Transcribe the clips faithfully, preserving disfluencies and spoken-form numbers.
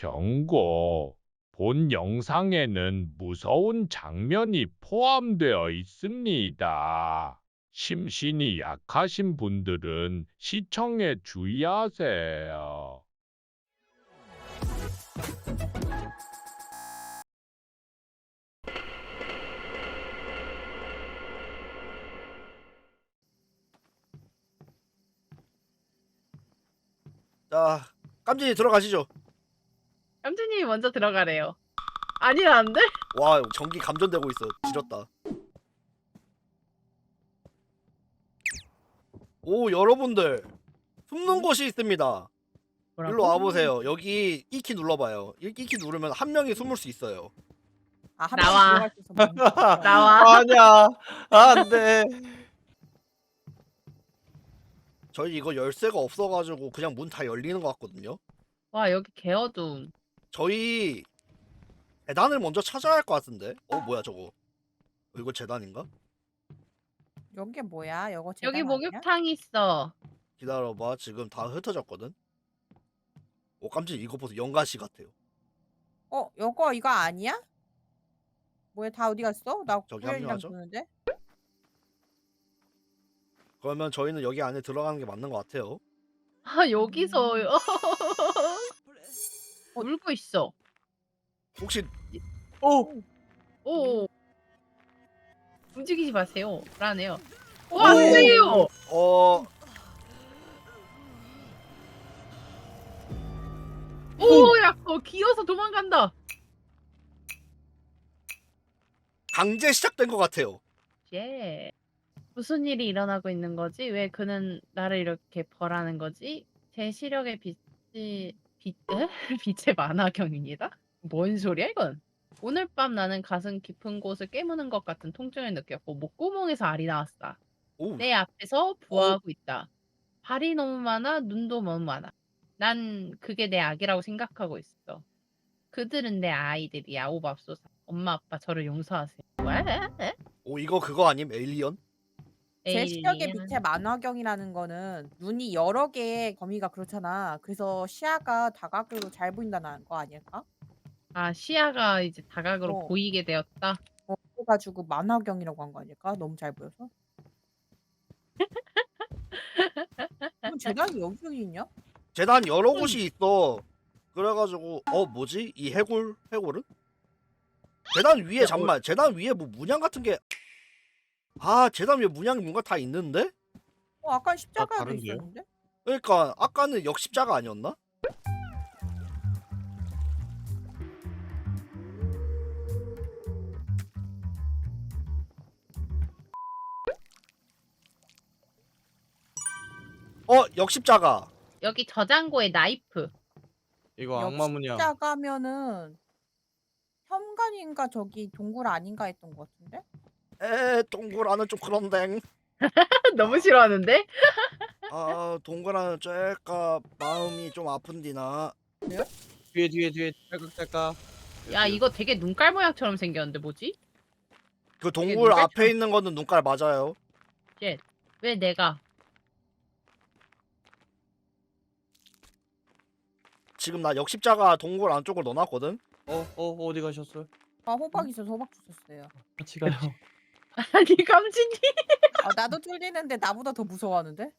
경고. 본 영상에는 무서운 장면이 포함되어 있습니다. 심신이 약하신 분들은 시청에 주의하세요. 자, 깜진이 들어가시죠. 깜진님이 먼저 들어가래요. 아니라는데? 와, 전기 감전되고 있어. 지렸다. 오, 여러분들. 숨는 곳이 있습니다. 뭐라고? 일로 와보세요. 여기 이 키 눌러봐요. 이 키 누르면 한 명이 숨을 수 있어요. 아, 한 나와. 명이 들어갈 수 있어. 보이네. 나와. 아니야. 안 돼. 저희 이거 열쇠가 없어가지고 그냥 문 다 열리는 것 같거든요. 와 여기 개어둠. 저희 재단을 먼저 찾아야 할 것 같은데. 어, 뭐야 저거. 어, 이거 재단인가? 여기 뭐야? 여거 여기 재단 아니야? 목욕탕 있어. 기다려봐. 지금 다 흩어졌거든. 오, 깜짝 이거 보세요. 연가시 같아요. 어, 여거 이거 아니야? 뭐야, 다 어디 갔어? 나 저기 구현이랑 합류하죠? 보는데. 그러면 저희는 여기 안에 들어가는 게 맞는 것 같아요. 아 여기서 음. 울고 있어. 혹시 오. 오. 움직이지 마세요. 불안해요. 와 안돼요. 어 오야 어, 기어서 도망간다. 강제 시작된 것 같아요. 예. 무슨 일이 일어나고 있는 거지? 왜 그는 나를 이렇게 벌하는 거지? 제 시력의 빛이 빛 에? 빛의 만화경입니다. 뭔 소리야 이건? 오늘 밤 나는 가슴 깊은 곳을 깨무는 것 같은 통증을 느꼈고 목구멍에서 알이 나왔다. 오, 내 앞에서 부화하고 있다. 발이 너무 많아, 눈도 너무 많아. 난 그게 내 악이라고 생각하고 있어. 그들은 내 아이들이야. 오 맙소사. 엄마 아빠 저를 용서하세요. 왜? 오 이거 그거 아님? 에일리언? 제 시력의 에일리언. 밑에 만화경이라는 거는 눈이 여러 개의 범위가 그렇잖아. 그래서 시야가 다각으로 잘 보인다는 거 아닐까? 아 시야가 이제 다각으로 어. 보이게 되었다. 어, 그래가지고 만화경이라고 한 거 아닐까? 너무 잘 보여서. 그럼 재단이 여기 여기 있냐? 재단 여러 곳이 있어. 그래가지고 어 뭐지? 이 해골 해골은? 재단 위에 잠만. 재단 위에 뭐 문양 같은 게. 아 재단 위에 문양이 뭔가 다 있는데? 어, 아까 십자가도 다른데요? 있었는데? 그러니까 아까는 역십자가 아니었나? 어 역십자가. 여기 저장고에 나이프. 이거 악마 문이야. 십자가면은 현관인가 저기 동굴 아닌가 했던 것 같은데? 에 동굴안은 좀 그런데. 너무 싫어하는데? 아 동굴안은 쬐까 마음이 좀 아픈디나. 뒤에 뒤에 뒤에 딸깍딸깍. 야 이거 되게 눈깔 모양처럼 생겼는데 뭐지? 그 동굴 눈깔 앞에 있는 거는 눈깔 맞아요. 왜 내가? 지금 나 역십자가 동굴 안쪽으로 넣어놨거든. 어, 어, 어디 가셨어요? 아, 호박 있어서 호박 주셨어요. 같이 가요. 아니 깜찍이. 아, 나도 뚫리는데 나보다 더 무서워하는데?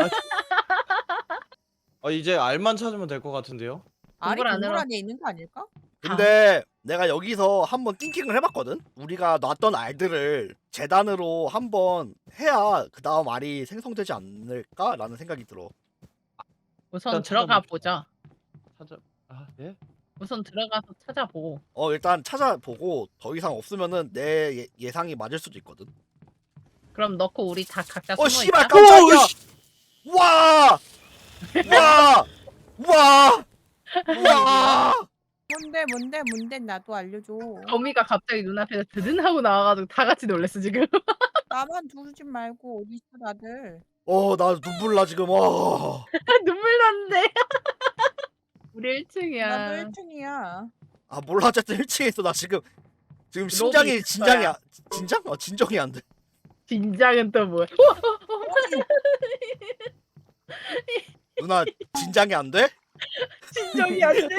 아, 이제 알만 찾으면 될 것 같은데요? 알이 동굴 동굴 안으로- 안에 있는 거 아닐까? 근데 내가 여기서 한번 띵킹을 해봤거든. 우리가 놨던 알들을 재단으로 한번 해야 그 다음 알이 생성되지 않을까라는 생각이 들어. 우선 일단 들어가 찾아봅시다. 보자. 찾아. 아, 예? 우선 들어가서 찾아보고. 어 일단 찾아보고 더 이상 없으면은 내 예, 예상이 맞을 수도 있거든. 그럼 넣고 우리 다 각자 어 숨어 씨발 있자. 깜짝이야. 오, 씨! 와! 와! 와! 와! 뭔데 뭔데 뭔데 나도 알려줘. 거미가 갑자기 눈앞에서 드든 하고 나와가지고 다 같이 놀랬어 지금. 나만 두르지 말고 어디 있어 다들. 어 나 눈물 나 지금. 와. 눈물 났는데. 우리 일 층이야. 나도 일 층이야. 아 몰라 어쨌든 일 층에 있어 나 지금. 지금 심장이 있을 진장이 거야. 아, 진장? 어 진정이 안 돼. 진작은 또 뭐야? 누나 진장이 안 돼? 진정이 안 돼.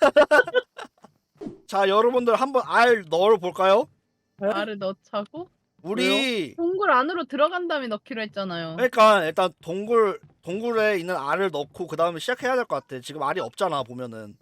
자 여러분들 한번 알 넣어 볼까요? 알을 넣자고? 우리 동굴 안으로 들어간 다음에 넣기로 했잖아요. 그러니까 일단 동굴 동굴에 있는 알을 넣고 그 다음에 시작해야 될 것 같아. 지금 알이 없잖아 보면은.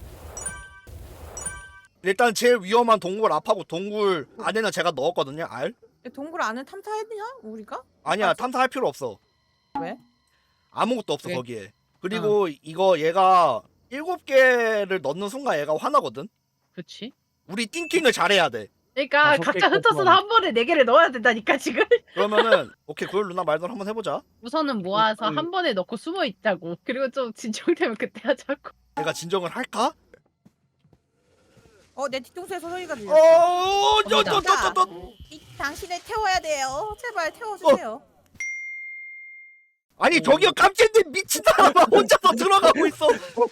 일단 제일 위험한 동굴 앞하고 동굴 안에는 제가 넣었거든요 알. 동굴 안을 탐사했냐 우리가? 아니야 맞아? 탐사할 필요 없어. 왜? 아무것도 없어 왜? 거기에. 그리고 이거 얘가 일곱 개를 넣는 순간 얘가 화나거든. 그치? 우리 띵킹을 잘해야 돼. 그러니까 다섯 각자 개 흩어서 꽂구나. 한 번에 네 개를 넣어야 된다니까 지금. 그러면은 오케이 고열 누나 말대로 한번 해보자. 우선은 모아서 음. 한 번에 넣고 숨어 있자고. 그리고 좀 진정되면 그때 하자고. 내가 진정을 할까? 어 내 뒤통수에서 소리가 들려. 어, 저, 저, 저, 저, 저. 이 당신을 태워야 돼요. 제발 태워주세요. 아니 저기요 깜찍님 미친 사람아 혼자서 들어가고 있어.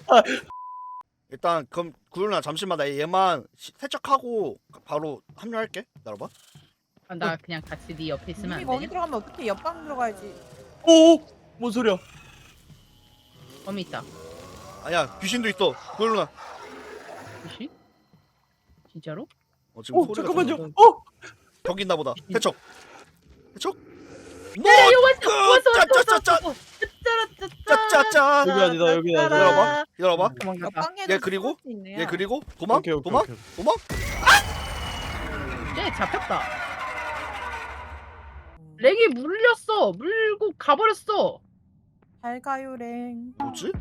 일단 그럼 구율나 잠시만 나 얘만 시- 세척하고 바로 합류할게. 기다려봐. 아, 나 그냥 같이 네 옆에 있으면 이미 안 거기 되냐? 들어가면 어떻게 옆방 들어가야지. 오! 뭔 소리야? 범이 있다. 아니야 귀신도 있어. 구율 누나. 그치? 진짜로? 어 지금 오 소리가 잠깐만요. 들리는- 어! 저기 있나 보다. 세척. 세척. 뭐? 야, 이거 왔어! 그, 왔어! 왔어! 짜짜짜짜. 왔어! 짜짜짜짜! 짜짜짜. 여기 아니다 여기 아니다. 기다려봐. 기다려봐. 도망갔다. 옆방에도 얘 그리고? 숨을 수 있네요. 얘 그리고 도망. 오케이 오케이 도망. 오케이. 도망. 쟤 잡혔다. 음. 렉이 물렸어. 물고 가버렸어. 잘 가요 랭. 뭐지?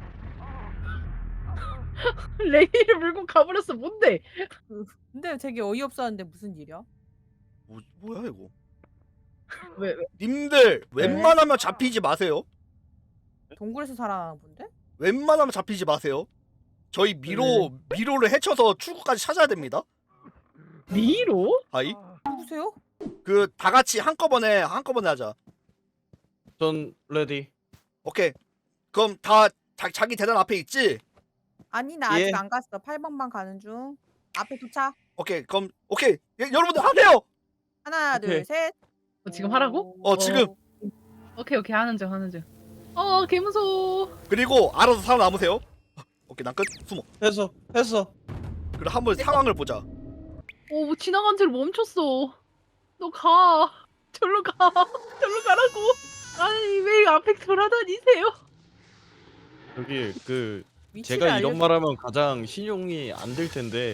렉이를 물고 가버렸어. 뭔데? 근데 되게 어이없었는데 무슨 일이야? 뭐 뭐야 이거? 왜, 왜? 님들 웬만하면 잡히지 마세요. 동굴에서 살아나는 본데? 웬만하면 잡히지 마세요. 저희 미로 미로를 헤쳐서 출구까지 찾아야 됩니다. 미로? 아이 누구세요? 그 다 같이 한꺼번에 한꺼번에 하자. 전 레디. 오케이. 그럼 다 자, 자기 대단 앞에 있지? 아니 나 아직 예. 안 갔어. 팔 번만 가는 중. 앞에 도착. 오케이. 그럼 오케이. 예, 여러분들 하세요. 하나 오케이. 둘 셋. 어, 지금 하라고? 어, 지금. 오케이, 오케이. 하는 중, 하는 중. 어, 개 무서워. 그리고 알아서 살아남으세요. 오케이. 난 끝. 숨어. 했어 했어. 그리고 한번 상황을 보자. 어, 뭐 지나간 채로 멈췄어. 너 가. 절로 가. 절로 가라고. 아니, 왜 앞에 돌아다니세요? 여기 그 위치를 제가 알려. 이런 말하면 가장 신용이 안 될 텐데.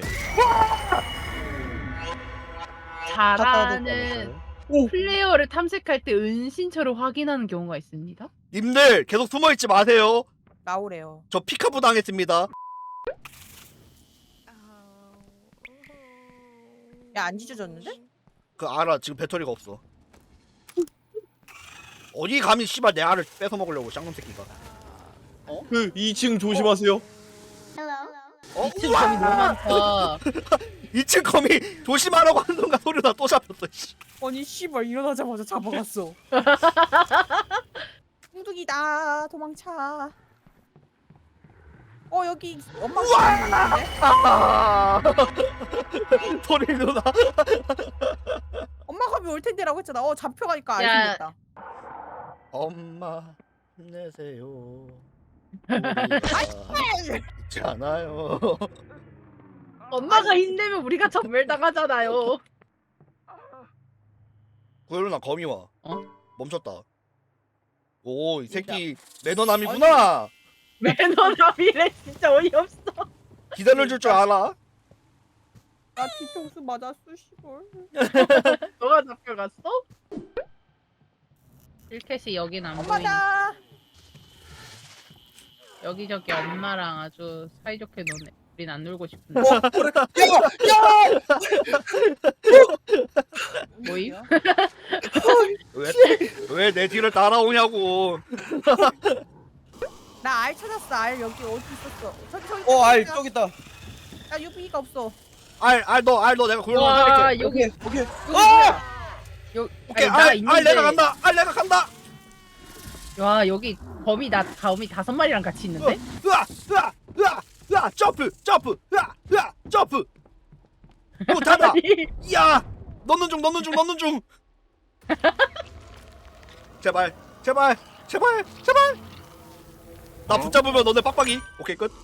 잘하는 오! 플레이어를 탐색할 때 은신처를 확인하는 경우가 있습니다. 님들 계속 숨어 있지 마세요. 나오래요. 저 피카부 당했습니다. 야 안 찢어졌는데? 그 알아. 지금 배터리가 없어. 어디 감히 씨발 내 알을 뺏어 먹으려고 쌍놈 새끼가. 그 이 층 조심하세요. 어? 이층 점이 너무 많다. 이 층 거미 조심하라고 하는 순간 소리나 또 잡혔어. 씨. 아니 씨발 일어나자마자 잡아갔어. 뚱뚱이다 도망차. 어 여기 엄마 있는데? 아! 소리 누나. 엄마 가면 올 텐데라고 했잖아. 어 잡혀가니까 야. 알겠다. 엄마 힘내세요. 우리가 있잖아요. 엄마가 힘내면 우리가 전멸당하잖아요. 구현아 거미 와. 어? 멈췄다. 오 이 새끼 매너남이구나. 매너남이래. 진짜 어이없어. 기다려줄 줄 알아. 나 뒤통수 맞았어 씨발. 너가 잡혀갔어? 일켓이 여긴 안 보이네. 엄마다. 여기저기 엄마랑 아주 사이좋게 노네. 우린 안 놀고 싶은데. 어, 그래. 야! 야! 뭐임? 왜왜 내 뒤를 따라오냐고. 나 알 찾았어. 알 여기 어디 있었어? 저기 저기. 어, 알 저기 있다. 나 유비가 없어. 알알너알 너 내가 구현아 와, 살릴게. 여기 오케이. 오케이. 여기 뭐야? 여, 오케이 아니, 나 알, 있는데. 알 내가 간다. 알 내가 간다. 와, 여기 범이 나 범이 다섯 마리랑 같이 있는데? 으아 으아 으아 으아 점프 점프 으아 으아 점프. 오 닫아. 아니, 이야 넣는 중 넣는 중 넣는 중. 제발 제발 제발 제발. 나 붙잡으면 너네 빡빡이. 오케이 끝.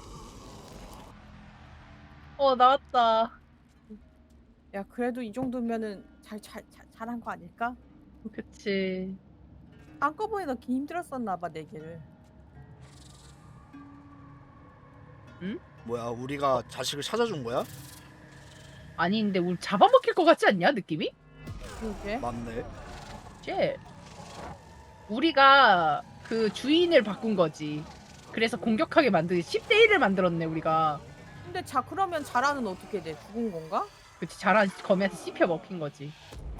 어 나왔다. 야 그래도 이 정도면은 잘 잘 잘 잘한 거 아닐까? 그치. 한꺼번에 넣기 힘들었었나 봐 네 개를. 뭐야 우리가 자식을 찾아준 거야? 아니 근데 우리 잡아먹힐 것 같지 않냐 느낌이? 그러게. 맞네. 쟤 우리가 그 주인을 바꾼 거지. 그래서 공격하게 만드 십 대 일을 만들었네 우리가. 근데 자 그러면 자라는 어떻게 돼? 죽은 건가? 그치 자란 검에서 씹혀 먹힌 거지.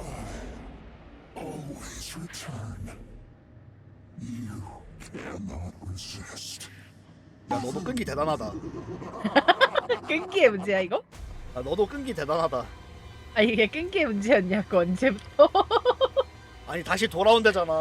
야 너도 끈기 대단하다. 끈기의 문제야 이거? 야 너도 끈기 대단하다. 아 이게 끈기의 문제였냐고 언제부터? 아니 다시 돌아온대잖아.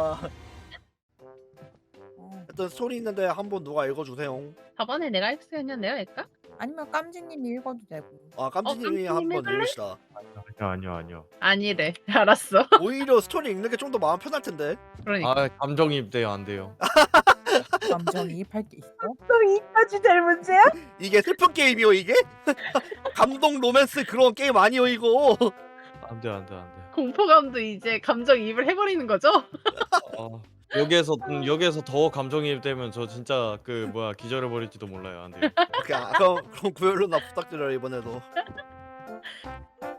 어. 하여튼 스토리 있는데 한번 누가 읽어주세요. 저번에 내가 했었는데요, 얘까? 아니면 깜지님이 읽어도 되고. 아 깜지님이 어, 깜지님 한번 해볼래? 읽으시다. 아니요 아니요 아니요. 아니래. 알았어. 오히려 스토리 읽는 게 좀 더 마음 편할 텐데. 그러니까. 아 감정이입 돼요 안 돼요. 감정이입할 게 있어? 또 이까지 될 문제야? 이게 슬픈 게임이요 이게? 감동 로맨스 그런 게임 아니요 이거. 안돼 안돼 안돼. 공포감도 이제 감정이입을 해버리는 거죠? 어, 여기에서 음, 여기에서 더 감정이입 되면 저 진짜 그 뭐야 기절해 버릴지도 몰라요 안 돼요. 오케이 아, 그럼 그럼 구혈로 나 부탁드려요 이번에도.